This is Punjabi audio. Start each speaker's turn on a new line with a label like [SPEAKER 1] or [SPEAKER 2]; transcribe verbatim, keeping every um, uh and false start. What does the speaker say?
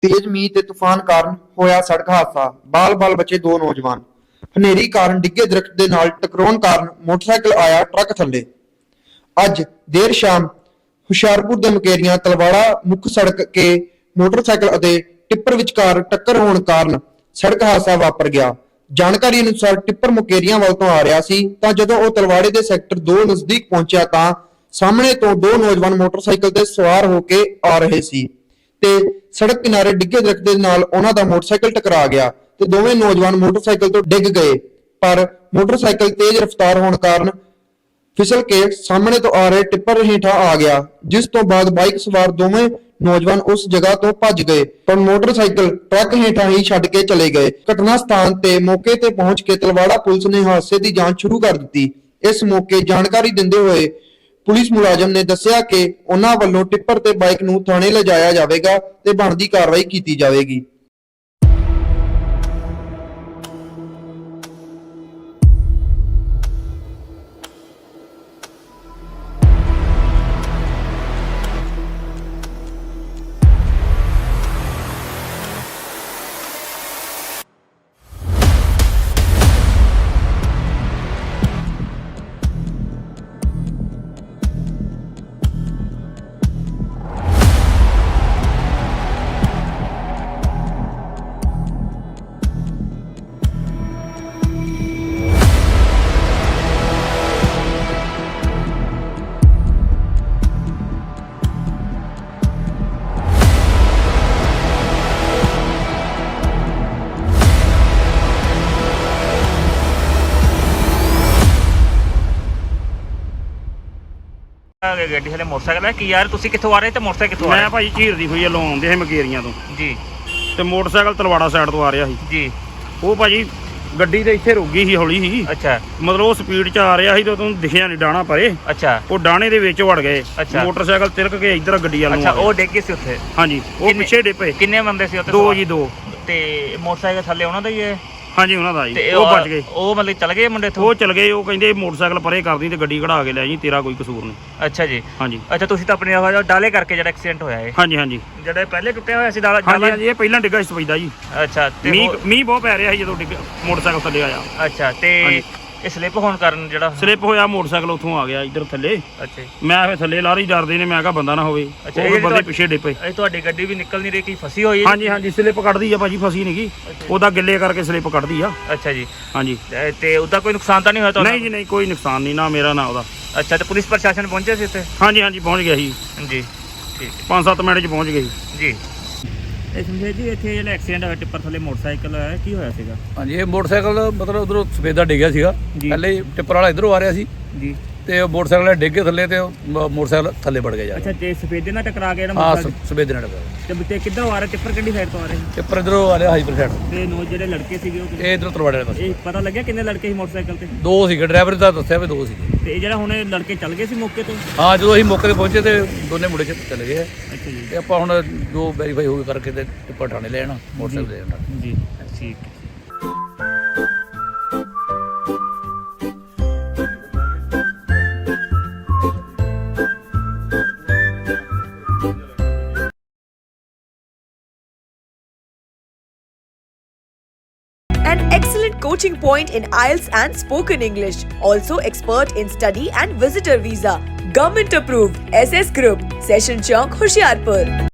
[SPEAKER 1] तेज मींह ते तूफान कारण होया सड़क हादसा, बाल बाल बचे दो नौजवान। हनेरी कारण डिगे दरख्त दे नाल टकराउण कारण मोटरसाइकिल आया ट्रक थल्ले। अज देर शाम ਹੁਸ਼ਿਆਰਪੁਰ ਦੇ ਮੁਕੇਰੀਆਂ ਤਲਵਾੜਾ ਮੁੱਖ ਸੜਕ ਕੇ ਮੋਟਰਸਾਈਕਲ ਅਤੇ ਟਿੱਪਰ ਵਿਚਕਾਰ ਟੱਕਰ ਹੋਣ ਕਾਰਨ ਸੜਕ ਹਾਦਸਾ ਵਾਪਰ ਗਿਆ। ਜਾਣਕਾਰੀ ਅਨੁਸਾਰ ਟਿੱਪਰ ਮੁਕੇਰੀਆਂ ਵੱਲ ਤੋਂ ਆ ਰਿਹਾ ਸੀ ਤਾਂ ਜਦੋਂ ਉਹ ਤਲਵਾੜੇ ਦੇ ਸੈਕਟਰ ਦੋ ਨਜ਼ਦੀਕ ਪਹੁੰਚਿਆ ਤਾਂ ਸਾਹਮਣੇ ਤੋਂ ਦੋ ਨੌਜਵਾਨ ਮੋਟਰਸਾਈਕਲ ਤੇ ਸਵਾਰ ਹੋ ਕੇ ਆ ਰਹੇ ਸੀ ਤੇ ਸੜਕ ਕਿਨਾਰੇ ਡਿੱਗੇ ਦਰਖਤ ਦੇ ਨਾਲ ਉਹਨਾਂ ਦਾ ਮੋਟਰਸਾਈਕਲ ਟਕਰਾ ਗਿਆ ਤੇ ਦੋਵੇਂ ਨੌਜਵਾਨ ਮੋਟਰਸਾਈਕਲ ਤੋਂ ਡਿੱਗ ਗਏ। ਪਰ ਮੋਟਰਸਾਈਕਲ ਤੇਜ਼ ਰਫ਼ਤਾਰ ਹੋਣ ਕਾਰਨ ਫਿਸਲ ਕੇ ਸਾਹਮਣੇ ਤੋਂ ਆ ਰਹੇ ਟਿੱਪਰ ਹੇਠਾਂ ਆ ਗਿਆ, ਜਿਸ ਤੋਂ ਬਾਅਦ ਬਾਈਕ ਸਵਾਰ ਦੋਵੇਂ ਨੌਜਵਾਨ ਉਸ ਜਗ੍ਹਾ ਤੋਂ ਭੱਜ ਗਏ ਪਰ ਮੋਟਰਸਾਈਕਲ ਟਰੱਕ ਹੇਠਾਂ ਹੀ ਛੱਡ ਕੇ ਚਲੇ ਗਏ। ਘਟਨਾ ਸਥਾਨ ਤੇ ਮੌਕੇ ਤੇ ਪਹੁੰਚ ਕੇ ਤਲਵਾੜਾ ਪੁਲਿਸ ਨੇ ਹਾਦਸੇ ਦੀ ਜਾਂਚ ਸ਼ੁਰੂ ਕਰ ਦਿੱਤੀ। ਇਸ ਮੌਕੇ ਜਾਣਕਾਰੀ ਦਿੰਦੇ ਹੋਏ ਪੁਲਿਸ ਮੁਲਾਜ਼ਮ ਨੇ ਦੱਸਿਆ ਕਿ ਉਹਨਾਂ ਵੱਲੋਂ ਟਿੱਪਰ ਤੇ ਬਾਈਕ ਨੂੰ ਥਾਣੇ ਲਿਜਾਇਆ ਜਾਵੇਗਾ ਤੇ ਬਣਦੀ ਕਾਰਵਾਈ ਕੀਤੀ ਜਾਵੇਗੀ।
[SPEAKER 2] ਗੱਡੀ ਹਲੇ ਮੋਟਰਸਾਈਕਲ ਹੈ। ਕੀ ਯਾਰ ਤੁਸੀਂ ਕਿੱਥੋਂ ਆ ਰਹੇ ਤੇ ਮੋਟਰਸਾਈਕਲ ਕਿੱਥੋਂ ਆ ਰਿਹਾ?
[SPEAKER 3] ਮੈਂ ਭਾਈ ਝੀਰ ਦੀ ਹੋਈ ਵੱਲੋਂ ਆਉਂਦੇ ਸੀ ਮਕੇਰੀਆਂ ਤੋਂ
[SPEAKER 2] ਜੀ
[SPEAKER 3] ਤੇ ਮੋਟਰਸਾਈਕਲ ਤਲਵਾੜਾ ਸਾਈਡ ਤੋਂ ਆ ਰਿਹਾ ਸੀ
[SPEAKER 2] ਜੀ।
[SPEAKER 3] ਉਹ ਭਾਜੀ ਗੱਡੀ ਤੇ ਇੱਥੇ ਰੁਕ ਗਈ ਸੀ ਹੌਲੀ ਸੀ।
[SPEAKER 2] ਅੱਛਾ,
[SPEAKER 3] ਮਤਲਬ ਉਹ ਸਪੀਡ 'ਚ ਆ ਰਿਹਾ ਸੀ ਤੇ ਉਹਨੂੰ ਦਿਖਿਆ ਨਹੀਂ ਡਾਣਾ ਪਰੇ।
[SPEAKER 2] ਅੱਛਾ,
[SPEAKER 3] ਉਹ ਡਾਣੇ ਦੇ ਵਿੱਚ ਵੜ ਗਏ।
[SPEAKER 2] ਅੱਛਾ।
[SPEAKER 3] ਮੋਟਰਸਾਈਕਲ ਤਿਲਕ ਕੇ ਇੱਧਰ ਗੱਡੀ ਵੱਲ ਨੂੰ
[SPEAKER 2] ਅੱਛਾ।
[SPEAKER 3] ਆ
[SPEAKER 2] ਉਹ
[SPEAKER 3] ਗਏ।
[SPEAKER 2] ਡਿੱਗ ਗਏ ਸੀ ਉੱਥੇ?
[SPEAKER 3] ਹਾਂਜੀ, ਉਹ
[SPEAKER 2] ਕਿੰਨੇ-
[SPEAKER 3] ਪਿੱਛੇ ਡਿੱਪੇ।
[SPEAKER 2] ਕਿੰਨੇ ਬੰਦੇ ਸੀ ਉੱਥੇ?
[SPEAKER 3] ਦੋ ਜੀ, ਦੋ।
[SPEAKER 2] ਤੇ ਮੋਟਰਸਾਈਕਲ ਥੱਲੇ ਉਹਨਾਂ ਦਾ ਹੀ ਹੈ?
[SPEAKER 3] ਹਾਂਜੀ, ਉਹਨਾਂ ਦਾ ਜੀ।
[SPEAKER 2] ਤੇ
[SPEAKER 3] ਉਹ ਬਚ ਗਏ।
[SPEAKER 2] ਉਹ ਮਤਲਬ ਚਲ ਗਏ ਮੁੰਡੇ ਇੱਥੋਂ?
[SPEAKER 3] ਉਹ ਚਲ ਗਏ। ਉਹ ਕਹਿੰਦੇ ਮੋਟਰਸਾਈਕਲ ਪਰੇ ਕਰਦੀ ਤੇ ਗੱਡੀ ਕਢਾ ਕੇ ਲੈ ਜੀ, ਤੇਰਾ ਕੋਈ ਕਸੂਰ ਨਹੀਂ।
[SPEAKER 2] ਅੱਛਾ ਜੀ।
[SPEAKER 3] ਹਾਂਜੀ।
[SPEAKER 2] ਅੱਛਾ, ਤੁਸੀਂ ਤਾਂ ਆਪਣੀ ਆਵਾਜ਼ ਡਾਲੇ ਕਰਕੇ ਜਿਹੜਾ ਐਕਸੀਡੈਂਟ ਹੋਇਆ ਹੈ?
[SPEAKER 3] ਹਾਂਜੀ ਹਾਂਜੀ
[SPEAKER 2] ਜਿਹੜਾ ਪਹਿਲੇ ਟੁੱਟਿਆ ਹੋਇਆ ਸੀ ਡਾਲਾ?
[SPEAKER 3] ਹਾਂਜੀ ਹਾਂਜੀ, ਇਹ ਪਹਿਲਾਂ ਡਿੱਗਾ ਸੀ ਸਪੈਦਾ ਜੀ।
[SPEAKER 2] ਅੱਛਾ। ਤੇ
[SPEAKER 3] ਮੀਂਹ
[SPEAKER 2] ਉਹ-
[SPEAKER 3] ਮੀਂਹ ਬਹੁਤ ਪੈ ਰਿਹਾ ਸੀ ਜਦੋਂ ਡਿੱਗ ਮੋਟਰਸਾਈਕਲ ਥੱਲੇ ਆਇਆ।
[SPEAKER 2] ਅੱਛਾ। ਤੇ
[SPEAKER 3] ਹਾਂਜੀ।
[SPEAKER 2] ਇਹ ਸਲਿੱਪ ਹੋਣ ਕਾਰਨ ਜਿਹੜਾ
[SPEAKER 3] ਸਲਿੱਪ ਹੋਇਆ, ਮੋਟਰਸਾਈਕਲ ਉੱਥੋਂ ਆ ਗਿਆ ਇੱਧਰ ਥੱਲੇ।
[SPEAKER 2] ਅੱਛਾ ਜੀ।
[SPEAKER 3] ਮੈਂ ਫਿਰ ਥੱਲੇ ਲਾਰੀ ਡਰਦੇ ਨੇ, ਮੈਂ ਕਿਹਾ ਬੰਦਾ ਨਾ ਹੋਵੇ।
[SPEAKER 2] ਅੱਛਾ,
[SPEAKER 3] ਉਹ
[SPEAKER 2] ਇਹ
[SPEAKER 3] ਬੰਦੇ
[SPEAKER 2] ਤੁਹਾਡੀ-
[SPEAKER 3] ਪਿੱਛੇ ਡਿੱਪੇ।
[SPEAKER 2] ਇਹ ਤੁਹਾਡੀ ਗੱਡੀ ਵੀ ਨਿਕਲ ਨਹੀਂ ਰਹੀ, ਕੀ ਫਸੀ ਹੋਈ ਹੈ?
[SPEAKER 3] ਹਾਂਜੀ ਹਾਂਜੀ, ਸਲਿੱਪ ਕੱਢਦੀ ਆ ਭਾਜੀ, ਫਸੀ ਨਹੀਂ ਗਈ। ਉਹਦਾ ਗਿੱਲੇ ਕਰਕੇ ਸਲਿੱਪ ਕੱਢਦੀ ਆ।
[SPEAKER 2] ਅੱਛਾ ਜੀ।
[SPEAKER 3] ਹਾਂਜੀ।
[SPEAKER 2] ਤੇ- ਤੇ ਉਹਦਾ ਕੋਈ ਨੁਕਸਾਨ ਤਾਂ ਨਹੀਂ ਹੋਇਆ ਤੁਹਾਨੂੰ?
[SPEAKER 3] ਨਹੀਂ ਜੀ ਨਹੀਂ, ਕੋਈ ਨੁਕਸਾਨ ਨਹੀਂ, ਨਾ ਮੇਰਾ ਨਾ ਉਹਦਾ।
[SPEAKER 2] ਅੱਛਾ। ਤੇ ਪੁਲਿਸ ਪ੍ਰਸ਼ਾਸਨ ਪਹੁੰਚੇ ਸੀ ਇੱਥੇ?
[SPEAKER 3] ਹਾਂਜੀ ਹਾਂਜੀ, ਪਹੁੰਚ ਗਿਆ ਸੀ।
[SPEAKER 2] ਜੀ, ਠੀਕ
[SPEAKER 3] ਪੰਜ ਸੱਤ ਮਿੰਟ 'ਚ ਪਹੁੰਚ ਗਏ ਸੀ
[SPEAKER 2] ਜੀ। ਇਹ ਸਮਝੇ ਜੀ, ਇੱਥੇ ਜਿਹੜਾ ਐਕਸੀਡੈਂਟ ਹੋਇਆ ਟਿੱਪਰ ਥੱਲੇ ਮੋਟਰਸਾਈਕਲ ਹੈ, ਕੀ ਹੋਇਆ ਸੀਗਾ?
[SPEAKER 4] ਹਾਂਜੀ, ਇਹ ਮੋਟਰਸਾਈਕਲ ਮਤਲਬ ਉਧਰੋਂ ਸਫੇਦਾ ਡਿੱਗਿਆ ਸੀਗਾ।
[SPEAKER 2] ਜੀ।
[SPEAKER 4] ਪਹਿਲੇ ਹੀ ਟਿੱਪਰ ਵਾਲਾ ਇਧਰੋਂ ਆ ਰਿਹਾ ਸੀ
[SPEAKER 2] ਜੀ।
[SPEAKER 4] ਤੇ ਉਹ ਮੋਟਰਸਾਈਕਲ ਵਾਲਾ ਡਿੱਗ ਕੇ ਥੱਲੇ ਤੇ ਉਹ ਮ- ਮੋਟਰਸਾਈਕਲ ਥੱਲੇ ਵੜ ਗਿਆ ਜਾ
[SPEAKER 2] ਅੱਛਾ। ਤੇ ਸਫੇਦੇ ਨਾਲ ਟਕਰਾ ਗਿਆ ਜਿਹੜਾ
[SPEAKER 4] ਹਾਂ,
[SPEAKER 2] ਮੋਟਰਸਾਈਕਲ?
[SPEAKER 4] ਸਫੇਦੇ ਨਾਲ ਡਿੱਗਾ।
[SPEAKER 2] ਤੇ ਤੇ ਕਿੱਧਰੋਂ ਆ ਰਿਹਾ ਟਿੱਪਰ, ਕਿਹੜੀ ਸਾਈਡ ਤੋਂ ਆ ਰਿਹਾ ਸੀ?
[SPEAKER 4] ਟਿੱਪਰ ਇਧਰੋਂ ਆ ਰਿਹਾ ਹਾਈਪਰ ਸਾਈਡ।
[SPEAKER 2] ਤੇ ਨੋ ਜਿਹੜੇ ਲੜਕੇ ਸੀਗੇ ਉਹ ਕਿੰਨੇ?
[SPEAKER 4] ਇਹ ਇਧਰੋਂ ਤਲਵਾੜੇ ਵਾਲੇ ਪਾਸੇ।
[SPEAKER 2] ਇਹ ਪਤਾ ਲੱਗਿਆ ਕਿੰਨੇ ਲੜਕੇ ਸੀ ਮੋਟਰਸਾਈਕਲ ਤੇ?
[SPEAKER 4] ਦੋ ਸੀਗੇ, ਡਰਾਈਵਰ ਦਾ ਦੱਸਿਆ ਵੀ ਦੋ ਸੀਗੇ।
[SPEAKER 2] ਤੇ ਇਹ ਜਿਹੜਾ ਹੁਣ ਇਹ ਲੜਕੇ ਚੱਲ ਗਏ ਸੀ ਮੌਕੇ ਤੋਂ?
[SPEAKER 4] ਹਾਂ, ਜਦੋਂ ਅਸੀਂ ਮੌਕੇ ਤੇ ਪਹੁੰਚੇ ਤੇ ਦੋਨੇ ਮੁੰਡੇ ਚ ਚਲੇ ਗਏ।
[SPEAKER 2] ਅੱਛਾ ਜੀ।
[SPEAKER 4] ਤੇ ਆਪਾਂ ਹੁਣ ਜੋ ਵੈਰੀਫਾਈ ਹੋ ਗਈ ਕਰਕੇ ਤੇ ਟਿੱਪਰ ਥਾਣੇ ਲੈ ਆਣਾ, ਮੋਟਰਸਾਈਕਲ ਦੇ ਆਣਾ।
[SPEAKER 2] ਜੀ, ਠੀਕ ਹੈ।
[SPEAKER 5] An excellent coaching point in I E L T S and spoken English. Also expert in study and visitor visa. Government approved. S S Group. Session Chowk, Hoshiarpur.